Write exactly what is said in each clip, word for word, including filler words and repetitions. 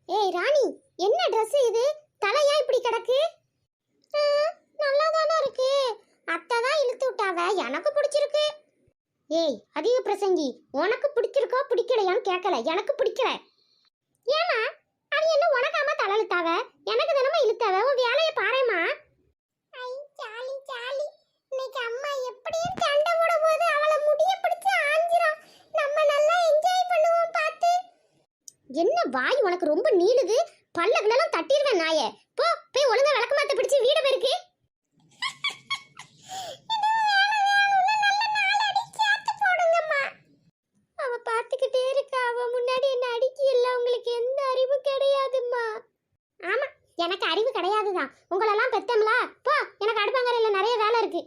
ஏய் ராணி, என்ன Dress இது? தலையா இப்படி கிடக்கு? நல்லா தானே இருக்கு. அத்தை தான் இழுத்து விட்டாவ, எனக்கு பிடிச்சிருக்கு. ஏய் அதிக பிரசங்கி, உனக்கு பிடிச்சிருக்கோ பிடிக்கலையான்னு கேட்கல, எனக்கு பிடிக்கல. ஏமா அது என்ன உனக்காம தலை இழுத்தாவ? எனக்கு தினமா இழுத்தாவ. உன் வேலையை பாருமா. ஐ ஜாலி ஜாலி. இன்னைக்கு அம்மா எப்படியும் சண்டை போட போது அவளை முடிய பிடிச்சு ஆஞ்சிரும். நம்ம நல்லா என்ஜாய் பண்ணுவோம் பார்த்து. என்ன வாய் உனக்கு ரொம்ப நீளுது? பல்லகளெல்லாம் தட்டிடுவேன் நாயே. போ போய் ஒழுங்கா விளக்க மாத்த பிடிச்சு வீடு பெருக்கு. அவ பார்த்துக்கிட்டே இருக்கா. அவ முன்னாடி என்ன அடிக்கல. உங்களுக்கு எந்த அறிவும் கிடையாதும்மா. ஆமா, எனக்கு அறிவு கிடையாதுதான். உங்களெல்லாம் பெத்தம்லா. போ, எனக்கு அடுப்பாங்கரையில நிறைய வேலை இருக்கு.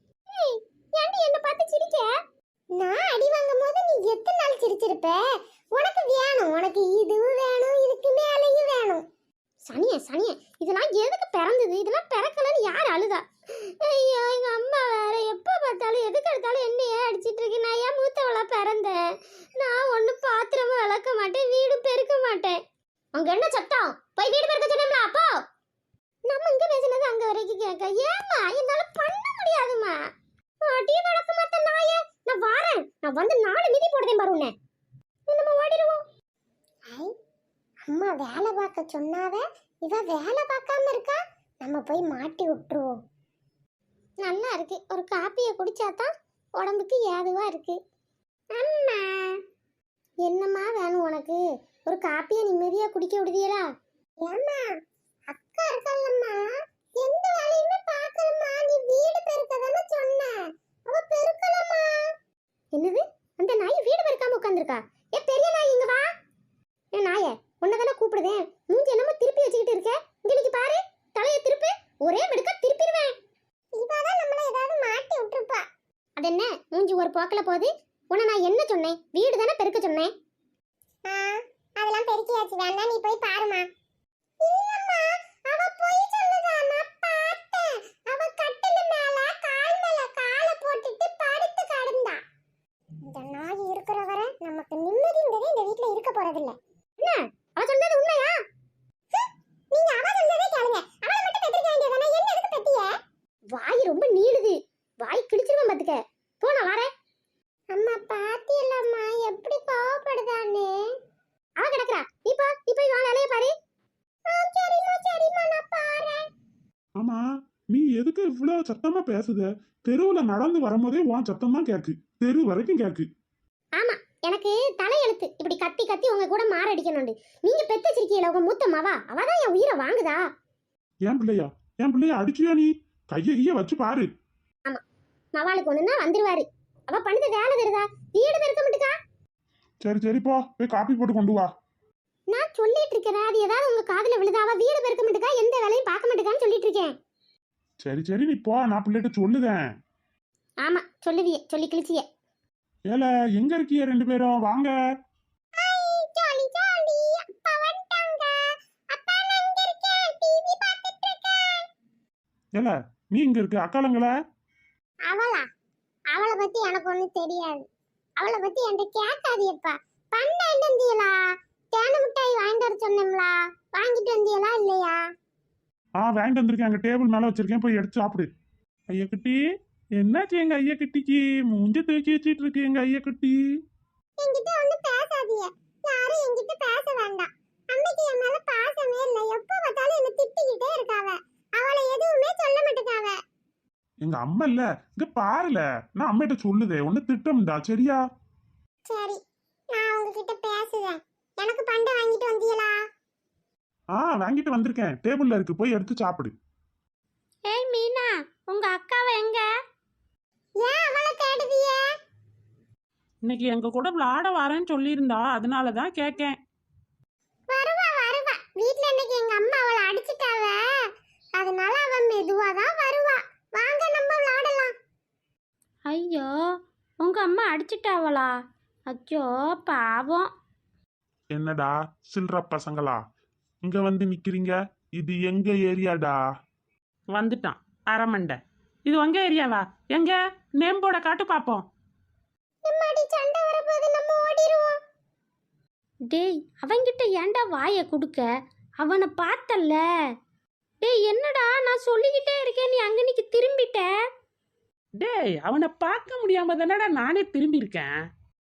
ஏண்டி என்ன பார்த்து சிரிக்க? நான் அடி வாங்கும் போது நீ எத்தனை நாள் சிரிச்சிருப்ப? உனக்கு வேணும், உனக்கு இதுவும் வேணும், இதுக்கு மேலையும் வேணும். சனிய சனிய, இதெல்லாம் எதுக்கு பிறந்தது? இதெல்லாம் பிறக்கலன்னு யார் அழுதா? ஐயோ, எங்க அம்மா வேற எப்ப பார்த்தாலும் எதுக்கு எடுத்தாலும் என்னையே அடிச்சிட்டு இருக்கு. நான் ஏன் மூத்தவளா பிறந்தேன்? நான் ஒன்னும் பாத்திரமும் விளக்க மாட்டேன், வீடு பெருக்க மாட்டேன். அங்க என்ன சத்தம்? போய் வீடு பெருக்க சொன்னோம்ல. அப்போ நம்ம இங்க பேசினது அங்க வரைக்கும் கேட்க. ஏமா என்னால பண்ண முடியாதுமா. அடி வளர்க்க மாட்டேன் நாயே. நான் வாரேன், நான் வந்து நாலு மிதி போடுதேன் பாரு உன்னை. நம்ம ஓடிடுவோம். ஐ, அம்மா வேலை பார்க்க சொன்னாவ, இவ வேலை பார்க்காம இருக்கா. நம்ம போய் மாட்டி விட்டுருவோம். நல்லா இருக்கு, ஒரு காப்பியை குடிச்சாதான் உடம்புக்கு ஏதுவா இருக்கு. அம்மா என்னம்மா வேணும் உனக்கு? ஒரு காப்பியை நிம்மதியா குடிக்க விடுதியலா? ஏம்மா அக்கா இருக்கல்லம்மா, எந்த வேலையுமே பார்க்கலம்மா. நீ வீடு பெருக்கதானே சொன்ன, அவ பெருக்கலம்மா. என்னது? அந்த நாய் வீடு பெருக்காம உட்கார்ந்திருக்கா? ஏ பெரிய நாய், இங்க வா. ஏ நாயே, உன்னதானே கூப்பிடுதேன். மூஞ்சி என்னமோ திருப்பி வச்சுக்கிட்டு இருக்க. இங்க பாரு, தலையை திருப்பி. ஒரே மெடுக்க திருப்பிடுவேன். இவதான் நம்மள ஏதாவது மாட்டி விட்டுருப்பா. அது என்ன மூஞ்சி ஒரு போக்கல போகுது? உன்னை நான் என்ன சொன்னேன்? வீடு தானே பெருக்க சொன்னேன். அதெல்லாம் பெருக்கியாச்சு, வேண்டாம் நீ போய் பாருமா. இல்லம்மா, அவ போய் சொல்லுதா. நான் பார்த்தேன். அவ கட்டில மேல கால் மேல காலை போட்டுட்டு படுத்து கிடந்தா. இந்த நாய் இருக்கிற வரை நமக்கு நிம்மதிங்கிறதே இந்த வீட்ல இருக்க போறதில்ல. என்ன அவ சொன்னது உண்மையா? நீங்க அவ சொன்னதே கேளுங்க. அவளை மட்டும் பெத்திருக்க வேண்டியதானே, என்ன எதுக்கு பெத்திய? வாய் ரொம்ப நீளுது, வாய் கிழிச்சிருவேன் பாத்துக்க. போ, நான் வரேன். அம்மா பாத்தியல்லம்மா எப்படி கோவப்படுதானே. அவ கிடக்குறா, நீ போ, நீ போய் வா, வேலைய பாரு. சரிம்மா சரிம்மா, நான் பாறேன். ஆமா, நீ எதுக்கு இவ்வளவு சத்தமா பேசுத? தெருவுல நடந்து வரும்போதே உன் சத்தம் தான் கேக்கு, தெரு வரைக்கும் கேக்கு. ஆமா, எனக்கு தலையெழுத்து இப்படி கத்தி கத்தி உங்க கூட மாரடிக்கணும்னு. நீங்க பெத்த சிரிக்கையில உங்க மூத்த மாவா, அவதான் என் உயிரை வாங்குதா. என் பிள்ளையா? என் பிள்ளைய அடிச்சியா நீ? கைய கைய வச்சு பாரு. ஆமா, மவாளுக்கு ஒண்ணுன்னா வந்துருவாரு. அவ பண்ணுது வேலை தருதா, வீடு பெருக்க மாட்டுக்கா. சரி சரி, போ போய் காப்பி போட்டு கொண்டு வா. நான் சொல்லிட்டு இருக்கேன், அது ஏதாவது உங்க காதுல விழுதா? அவ வீடு பெருக்க மாட்டுக்கா, எந்த வேலையும் பார்க்க மாட்டுக்கான்னு சொல்லிட்டு இருக்கேன். சரி சரி, நீ போ, நான் பிள்ளைகிட்ட சொல்லுதேன். ஆமா சொல்லுவியே, சொல்லி கிழிச்சிய. ஏல எங்க இருக்கீங்க ரெண்டு பேரும்? வாங்க. ஜாலி ஜாலி, அப்பா வந்துட்டாங்க. அப்பா நான் இங்க இருக்கேன், டிவி பார்த்துட்டு இருக்கேன். ஏல நீ இங்க இருக்க, அக்காலங்கள? அவளா? அவளை பத்தி எனக்கு ஒண்ணும் தெரியாது. அவளை பத்தி என்கிட்ட கேட்காதியப்பா. பன்னெண்டு வந்தியலா? தேன மிட்டாய் வாங்கிட்டு வர சொன்னோம்லா, வாங்கிட்டு வந்தியலா இல்லையா? ஆ வாங்கிட்டு வந்திருக்கேன், அங்க டேபிள் மேல வச்சிருக்கேன், போய் எடுத்து சாப்பிடு. ஐயா குட்டி, என்னாச்சு எங்க ஐயா குட்டிக்கு? மூஞ்ச தூக்கி வச்சிட்டு இருக்கு எங்க ஐயா குட்டி. என்கிட்ட ஒண்ணும் பேசாதீங்க, யாரும் என்கிட்ட பேச வேண்டாம். அன்னைக்கு என் மேல பாசமே இல்ல, எப்ப பார்த்தாலும் என்ன திட்டிக்கிட்டே இருக்காவ. அவளை எதுவுமே சொல்ல மாட்டேங்காவ. எங்க அம்மா இல்ல, இங்க பாருல, நான் அம்மிட்ட சொல்லுதே, ஒண்ணு திட்டம்டா, சரியா? சரி, நான் உங்ககிட்ட பேசுறேன். எனக்கு பண்டை வாங்கிட்டு வந்தீங்களா? ஆ வாங்கிட்டு வந்திருக்கேன், டேபிள்ல இருக்கு, போய் எடுத்து சாப்பிடு. ஏய் மீனா, உங்க அக்காவை எங்க? ஏன் அவளை தேடுதிய? இன்னைக்கு எங்க கூட விளையாட வரேன்னு சொல்லியிருந்தா, அதனால தான் கேட்கேன். வருவா வருவா, வீட்ல இன்னைக்கு எங்க அம்மா அவளை அடிச்சிட்டாவ, அதனால அவ மெதுவா தான் வருவா. வாங்க நம்ம விளையாடலாம். ஐயோ, உங்க அம்மா அடிச்சிட்டாவளா? அச்சோ பாவம். என்னடா சில்ற பசங்களா, இங்க வந்து நிக்கிறீங்க? இது எங்க ஏரியாடா? வந்துட்டான் அரமண்டை. இது உங்க ஏரியாவா? எங்க நேம் போர்டை காட்டு பாப்போம். எம்மாடி சண்டை வரப்போது, நம்ம ஓடிடுவோம். டேய் அவன்கிட்ட ஏன்டா வாயை கொடுக்க? அவனை பார்த்தல்ல. டேய் என்னடா நான் சொல்லிக்கிட்டே இருக்கேன், நீ அங்க நிக்க திரும்பிட்ட. டேய் அவனை பார்க்க முடியாம தானடா நானே திரும்பி இருக்கேன்.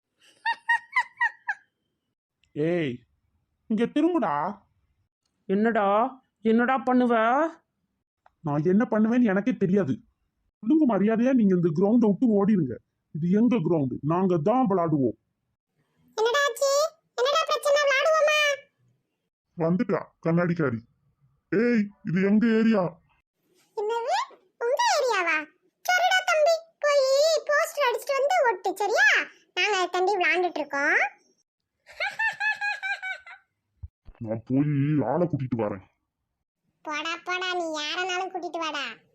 ஏய் இங்க திரும்புடா. என்னடா என்னடா பண்ணுவ? நான் என்ன பண்ணுவேன்னு எனக்கே தெரியாது. ஒழுங்கு மரியாதையா நீங்க இந்த கிரவுண்டை விட்டு ஓடிடுங்க. இது எங்க கிரவுண்டு, நாங்க தான் விளையாடுவோம். என்னடா ஆச்சு? என்னடா பிரச்சனை? விளையாடுவோமா? வந்துட்டா கண்ணாடிக்காரி. ஏய் இது எங்க ஏரியா. என்னது? உங்க ஏரியாவா? சரிடா தம்பி, போய் போஸ்டர் அடிச்சிட்டு வந்து ஒட்டு, சரியா? நாங்க தம்பி விளையாண்டுட்டு இருக்கோம். நான் போய் ஆளை கூட்டிட்டு வரேன். போடா போடா, நீ யாரனாலும் கூட்டிட்டு வாடா.